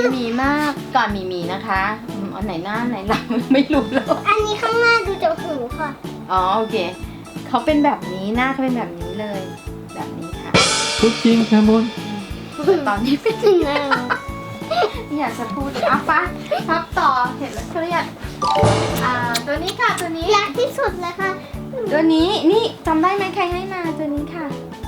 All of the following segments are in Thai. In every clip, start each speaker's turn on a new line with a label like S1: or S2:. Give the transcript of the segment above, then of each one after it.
S1: มีมากก่อนมีนะคะอันไหนหน้าไหนหลังไม่รู้แล้ว
S2: อันนี้ข้างหน้าดูจากหูค่ะ
S1: อ๋อโอเคเขาเป็นแบบนี้หน้าเขาเป็นแบบนี้เลย แบบนี้ค่ะ
S3: พูดจริงแคมูล
S1: แต่ตอนนี้เป็น
S2: หน้า
S1: ไม่อยากจะพูดเลยอ่ะปะพับต่อเห็นแล้วเครียดตัวนี้ค่ะตัวนี้
S2: รักที่สุดเลยค่ะ
S1: ตัวนี้นี่จำได้ไหมใครให้มาตัวนี้ค่ะ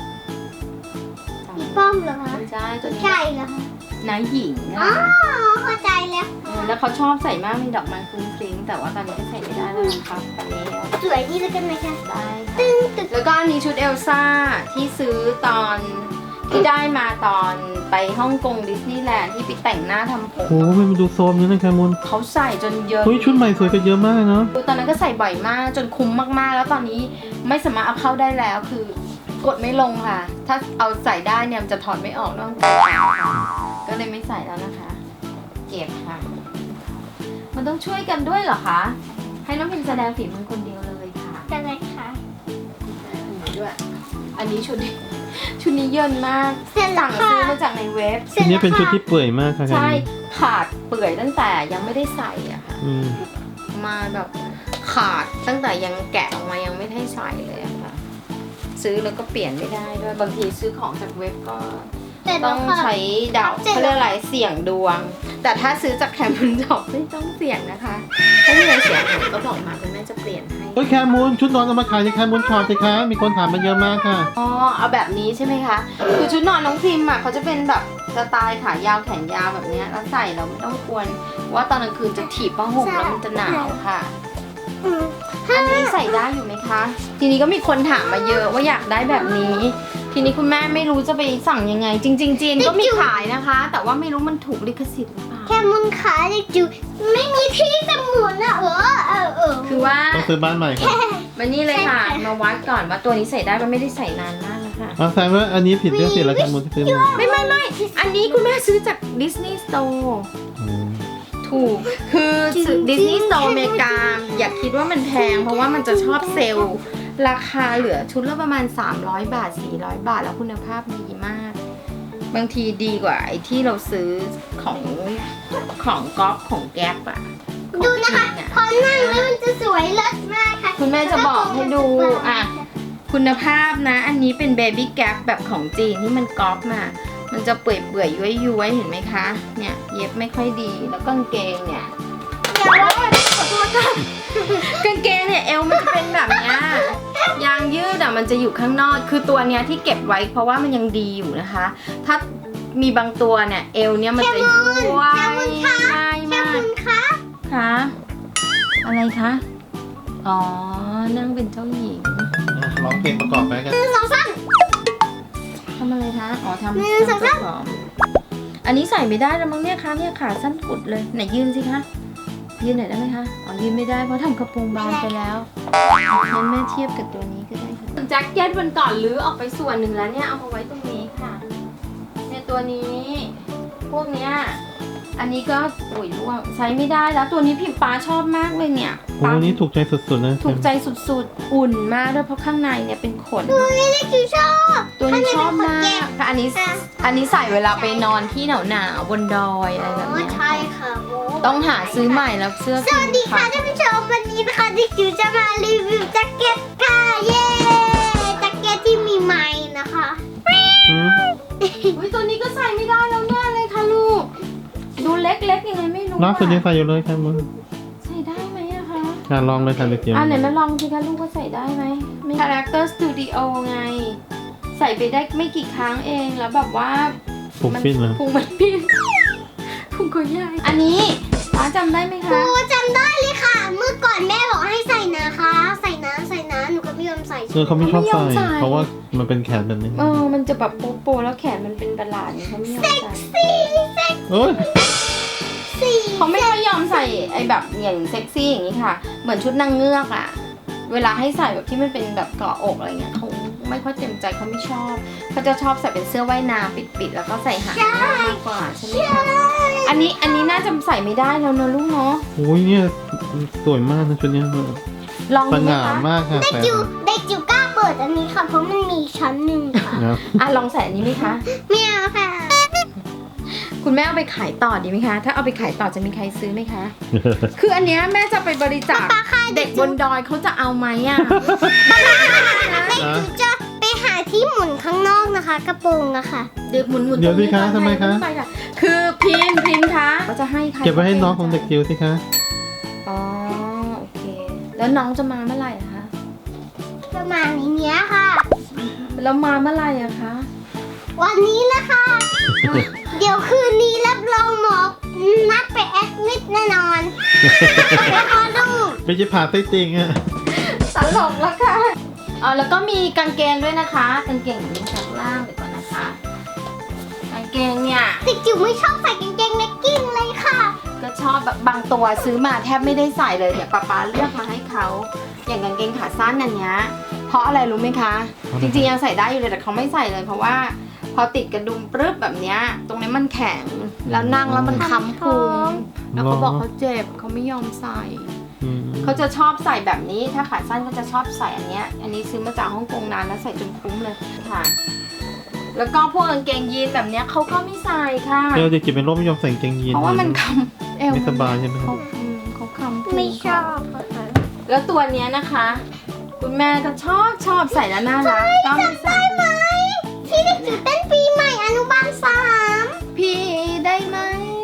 S2: พี่ป้อมเหรอคะ
S1: ใช่ตัวนี้
S2: ใช่เหรอคะ
S1: นายหญิง
S2: อ๋อ
S1: อะ
S2: เข้าใจแล้ว
S1: แล้วเขาชอบใส่มากมีดอกไม้ฟรุ้งฟริ้งแต่ว่าตอนนี้ก็ใส่ไม่ได้แล้วนะครับตอนนี้
S2: สวยดีแล้วกันไหมคะ
S1: ได้ค่ะ
S2: ตึ้งตึ้ง
S1: แล้วก็อันนี้ชุดเอลซ่าที่ซื้อตอนที่ได้มาตอนไปฮ่องกงดิสนีย์แลนด์ที่ไปแต่งหน้าทำผม
S3: โอ้ไม่มาดูโซมนี้นะแคมูล
S1: เขาใส่จนเยอะ
S3: เฮ้ยชุดใหม่สวยกันเยอะมากเนาะ
S1: ตอนนั้นก็ใส่บ่อยมากจนคุ้มมากๆ แล้วตอนนี้ไม่สามารถเอาเข้าได้แล้วคือกดไม่ลงค่ะ ถ้าเอาใส่ได้เนี่ยมันจะถอดไม่ออกต้องกดก็เลยไม่ใส่แล้วนะคะเก็บค่ะ มันต้องช่วยกันด้วยเหรอคะให้น้องพิมแสดงฝีมือคนเดียวเลยค่ะ
S2: กันเลยค่ะ
S1: ด้วยอันนี้ชุดนี้เยินมาก
S2: เสร็จแล้
S1: สั่
S2: ว
S1: ง
S2: ค่ะ
S1: ซื้อมาจากในเว็บ
S3: ชุดนี้เป็นชุดที่เปื่อยมากค่ะแค
S1: ใช่
S3: มูล
S1: ขาดเปื่อยตั้งแต่ยังไม่ได้ใส่อะค่ะ
S3: อืม
S1: มาแบบขาดตั้งแต่ยังแกะออกมายังไม่ได้ใส่เลยอะค่ะ ซื้อแล้วก็เปลี่ยนไม่ได้ด้วยบางทีซื้อของจากเว็บก็
S2: เสร็จ
S1: ต้
S2: แล้
S1: อ
S2: ว
S1: ง
S2: ค่ะ
S1: ใช้เดา
S2: เสร็จ
S1: เขา
S2: แล้ว
S1: เรียกอะไรเสี่ยงดวง แต่ถ้าซื้อจากแคมป์จอบไม่ต้องเสี่ยงนะคะถ้ามีอะไรเสียหายก็บอกมาคุณแม่จะเปลี่ยนให้
S3: เฮ้ยแคมูลชุดนอนเอามาขายในแคมูลช็อปสิคะมีคนถามมาเยอะมากค่ะ
S1: อ๋อเอาแบบนี้ใช่ไหมคะคือชุดนอนน้องพิมพ์อะเขาจะเป็นแบบสไตล์ขายาวแขนยาวแบบเนี้ยแล้วใส่เราไม่ต้องกลัวว่าตอนกลางคืนจะถีบผ้าห่มแล้วมันจะหนาวค่ะ
S2: อืม
S1: อันนี้ใส่ได้อยู่ไหมคะ ทีนี้ก็มีคนถามมาเยอะว่าอยากได้แบบนี้ ทีนี้คุณแม่ไม่รู้จะไปสั่งยังไง จริงๆจีนก็มีขายนะคะ แต่ว่าไม่รู้มันถูกลิขสิทธิ์หรือเปล่า
S2: แค่มุนขาเด็กจิ๋วไม่มีที่จะหมุนอะ
S1: คือว่า
S3: ต้องซื้อบ้านใหม่ค่ะ
S1: มานี่เลยค่ะ มาวัดก่อนว่าตัวนี้ใส่ได้มันไม่ได้ใส่นานมากแล้วค่ะ
S3: เอาแสดงว่าอันนี้ผิดเรื่องสิแล้วแคมูลที่ซื้อมา
S1: ไม่ อันนี้คุณแม่ซื้อจากดิสนีย์สโตร์
S3: อืม
S1: ถูก คือดิสนีย์สโตร์อเมริกา อย่าคิดว่ามันแพง เพราะว่ามันจะชอบเซลล์ ราคาเหลือชุดละประมาณ 300 บาท 400 บาท แล้วคุณภาพดีมาก บางทีดีกว่าไอ้ที่เราซื้อของก๊อฟของแก๊ปอะของ
S2: ดูนะคะ
S1: จีอะ
S2: พอนั่งแล้วมันจะสวยเลิศมากค่ะ
S1: คุณแม่จะบอกให้ดูอ่ะ คุณภาพนะ อันนี้เป็นเบบี้แก๊ปแบบของจีนที่มันก๊อปมา มันจะเปื่อยย้วยๆเห็นไหมคะ เนี่ยเย็บไม่ค่อยดี แล้วกางเกงเนี่ย
S2: อย่าว่า
S1: ขอโทษค่ะกางเกงเนี่ยเอวมันจะเป็นแบบเนี้ยยางยืดอ่ะมันจะอยู่ข้างนอกคือตัวเนี้ยที่เก็บไว้เพราะว่ามันยังดีอยู่นะคะ ถ้ามีบางตัวเนี่ยเอวเนี่ยมันจะย้วยง่าย
S2: แค่
S1: มาก
S2: มุนคะ
S1: คะอะไรคะอ๋อนั่งเป็นเจ้าหญิง
S3: อ่ะร้องเพลงประกอบไปกัน
S2: หนึ่งสองสาม
S1: ทำอะไรคะอ๋อทำ
S2: หนึ่งสองสาม
S1: ผอมอันนี้ใส่ไม่ได้แล้วมั้งเนี่ยคะเนี่ยขาสั้นกุดเลยไหนยืนสิคะยืนหน่อยได้ไหมคะอ๋อยืนไม่ได้เพราะทำกระโปรงบานไปแล้วงั้นแม่เทียบกับตัวนี้ก็ได้ค่ะแจ็คเก็ตวันก่อนลื้อออกไปส่วนหนึ่งแล้วเนี่ยเอามาไว้ตรงนี้ค่ะเนี่ยตัวนี้พวกเนี้ยอันนี้ก็อุ้ยร่วงใช้ไม่ได้แล้วตัวนี้พิมพ์ปาชอบมากเลยเนี่ย
S3: โอ้นี่ถูกใจสุดๆนะ
S1: ถูกใจสุดๆอุ่นมากด้วยเพราะข้างในเนี่ยเป็นขน
S2: นี่เด็กจิ๋วชอบ
S1: ตัวนี้ชอบมาก
S2: ข้างในเป็นขนแกะ
S1: ค่ะอันนี้ใส่เวลาไปนอนที่หนาวๆบนดอยอะไรแบบ
S2: อ๋อ
S1: เนี้ย
S2: ใช่ค่ะโอ้
S1: ต้องหาซื้อใหม่แล้วเสื้อ
S2: สวัสดีค่ะท่านผู้ชมวันนี้นะคะเด็กจิ๋วจะมารีวิวแจ็คเก็ตค่ะเย้แจ็คเก็ตที่มีไม้นะคะ
S3: อืม
S1: อุ้ยตัวนี้ก็ใส่ไม่ได้แล้วแน่เลยค่ะลูก ดูเล็กๆยังไงไม่รู้
S3: ล่าสุดยังใส่อยู่เลยแคมูล
S1: ใส่ได้ไหมอะคะ
S3: อ่ะลองเลยค่ะเด็กจิ๋ว
S1: ไหนมาลองสิคะลูกว่าใส่ได้ไหม Character Studio ไง ใส่ไปได้ไม่กี่ครั้งเองแล้วแบบว่า
S3: ผูกปิ้นเลย
S1: พุงมันปิ้นพุงก็ใหญ่อันนี้ป้าจำได้ไหม
S2: ครู
S1: คะ
S2: จำได้เลยค่ะ เมื่อก่อนแม่บอกให้ใส่นะคะ ใส่นะหนูก็ไม่ยอมใส่
S3: เขาไม่ชอบใส่ เพราะว่ามันเป็นแขนแบบนี้
S1: มันจะแบบโปๆแล้วแขนมันเป็นประหลาดอย่างนี้เขาไม่ยอมใส่
S3: โอ้ย
S2: สี่
S1: เขาไม่ค่อยยอมใส่ไอ้แบบอย่างเซ็กซี่อย่างนี้ค่ะ เหมือนชุดนางเงือกอะเวลาให้ใส่แบบที่มันเป็นแบบเกาะอกอะไรเงี้ยเขาไม่ค่อยเต็มใจเขาไม่ชอบเขาจะชอบใส่เป็นเสื้อว่ายน้ำปิดๆแล้วก็ใส่หางมากกว่าใช่ไหมคะอันนี้น่าจะใส่ไม่ได้แล้วนะลูกเนาะ
S3: โอ้ยเนี่ยสวยมากนะชุดเนี้ย
S1: ลอง
S3: ส
S1: ดูไหม
S3: ง่า
S1: คะ
S3: มากค่ะ
S2: เด็ก
S3: ใส่
S2: จิ๋วกล้าเปิดอันนี้ค่ะ เพราะมันมีชั้นหนึ่งค่ะ
S3: นะ
S1: ลองใส่อันนี้ไหมคะ
S2: ไม่เอาค่ะ
S1: คุณแม่เอาไปขายต่อดีไหมคะ ถ้าเอาไปขายต่อจะมีใครซื้อไหมคะ คืออันเนี้ยแม่จะไปบริจาคเด็กบนดอยเขาจะเอาไหมอ่ะ
S2: เด็กจิ๋วจะไปหาที่หมุนข้างนอกนะคะ กระโปรงอะค่ะ
S1: เดี๋ยวหมุน
S3: เดี๋ยวสิคะทำไมคะ
S1: ปค่ะคือพิมพ์คะเขาจะให้ใคร
S3: เก็บไว้ให้น้องของเด็กจิ๋วสิคะ
S1: อ๋อโอเค แล้วน้องจะมาเมื่อไหร่อะคะ
S2: ประมาณนี้ค่ะ
S1: แล้วมาเมื่อไหร่อะคะ
S2: วันนี้นะคะ เดี๋ยวคืนนี้รับรองหมอนัดไปแอดมิดแน่นอนไปขอดู
S3: ไม่ใช่ผ่าไส้ติ่งอะ
S1: ตลกแล้วค่ะอ๋อแล้วก็มีกางเกงด้วยนะคะ กางเกงอยู่ข้างล่างเดี๋ยวก่อนนะคะ กางเกงเนี่ย
S2: เด็กจิ๋วไม่ชอบใส่กางเกงเลกกิ้งเลยค่ะ
S1: ก็ชอบแบบบางตัวซื้อมาแทบไม่ได้ใส่เลยเนี่ยป๊าเลือกมาให้เขาอย่างกางเกงขาสั้นอันเนี้ยเพราะอะไรรู้ไหมคะ จริงๆยังใส่ได้อยู่เลยแต่เขาไม่ใส่เลยเพราะว่าพอติดกระดุมปรึ๊บแบบเนี้ยตรงนี้มันแข็งแล้วนั่งแล้วมันค้ำพุงแล้วเขาบอกเขาเจ็บเขาไม่ยอมใส่
S3: อืม
S1: เขาจะชอบใส่แบบนี้ถ้าขาสั้นก็จะชอบใส่อันเนี้ยอันนี้ซื้อมาจากฮ่องกงนานแล้วใส่จนคุ้มเลยค่ะ แล้วก็พวกกางเกงยีนแบบเนี้ยเขาก็ไม่ใส่ค่ะ
S3: เดี๋ยวเด็กจิ๋วเป็นโรคไม่ยอมใส่กางเกงยีน
S1: เพราะว่ามันคำเอว
S3: ไม่สบายใช่ไหมครั
S1: เขา
S3: บ
S1: เขาคำพุง
S2: ไม่ชอบ
S1: แล้วตัวเนี้ยนะคะ คุณแม่ก็ชอบใส่แล้วน่ารักก็ไม่ใส่
S2: ไหมที่เด็กจิ๋วเต้นปีใหม่อนุบาล 3
S1: พี่ได้ไหม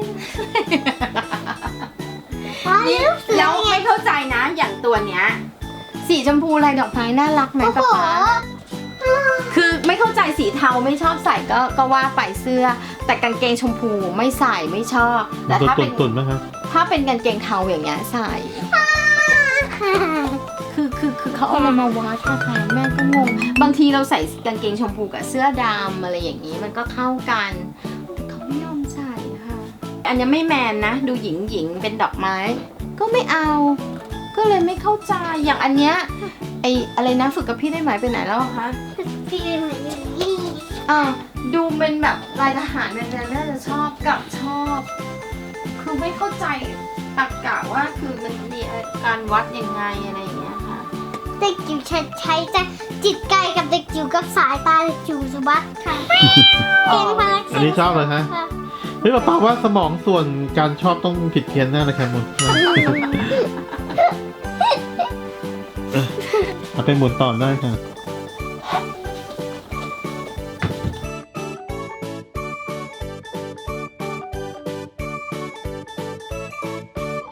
S2: นี่
S1: แล้วไม่เข้าใจนะอย่างตัวเนี้ยสีชมพูลายดอกไม้น่ารักไหม
S2: โอ้โห
S1: ป๊าป๊าคือไม่เข้าใจสีเทาไม่ชอบใส่ก็ว่าไปเสื้อ แต่กางเกงชมพูไม่ใส่ไม่ชอบแต่ถ้าเป็น
S3: ตุ่นๆไหมครับ
S1: ถ้าเป็นกางเกงเทาอย่างเงี้ยใส่ คือเขาเอามาวัดนะคะแม่ก็งงบางทีเราใส่กางเกงชมพูกับเสื้อดำอะไรอย่างนี้มันก็เข้ากันแต่เขาไม่ยอมใส่ค่ะ อันนี้ไม่แมนนะ ดูหญิงเป็นดอกไม้ ก็ไม่เอา ก็เลยไม่เข้าใจอย่างอันเนี้ยไออะไรนะฝึกกับพี่ได้ไหมไปไหนแล้วอะคะ
S2: ปีใหม่นี่
S1: ดูเป็นแบบลายทหารแมนๆน่าจะชอบกับชอบ คือไม่เข้าใจตรรกะว่าคือมันมีการวัดยังไงอะไรอย่างเงี้ยค่ะ
S2: เด็กจิ๋วใช้จะจิตไกลกับเด็กจิ๋วกับสายตาเด็กจิ๋วสุบัติค่ะเก่งมาก
S3: อันนี้ชอบเลยฮะ เฮ้ยป้าว่าสมองส่วนการชอบต้องผิดเพี้ยนแน่เลยครับมุนเอาไปหมุนต่อได้ค่ะ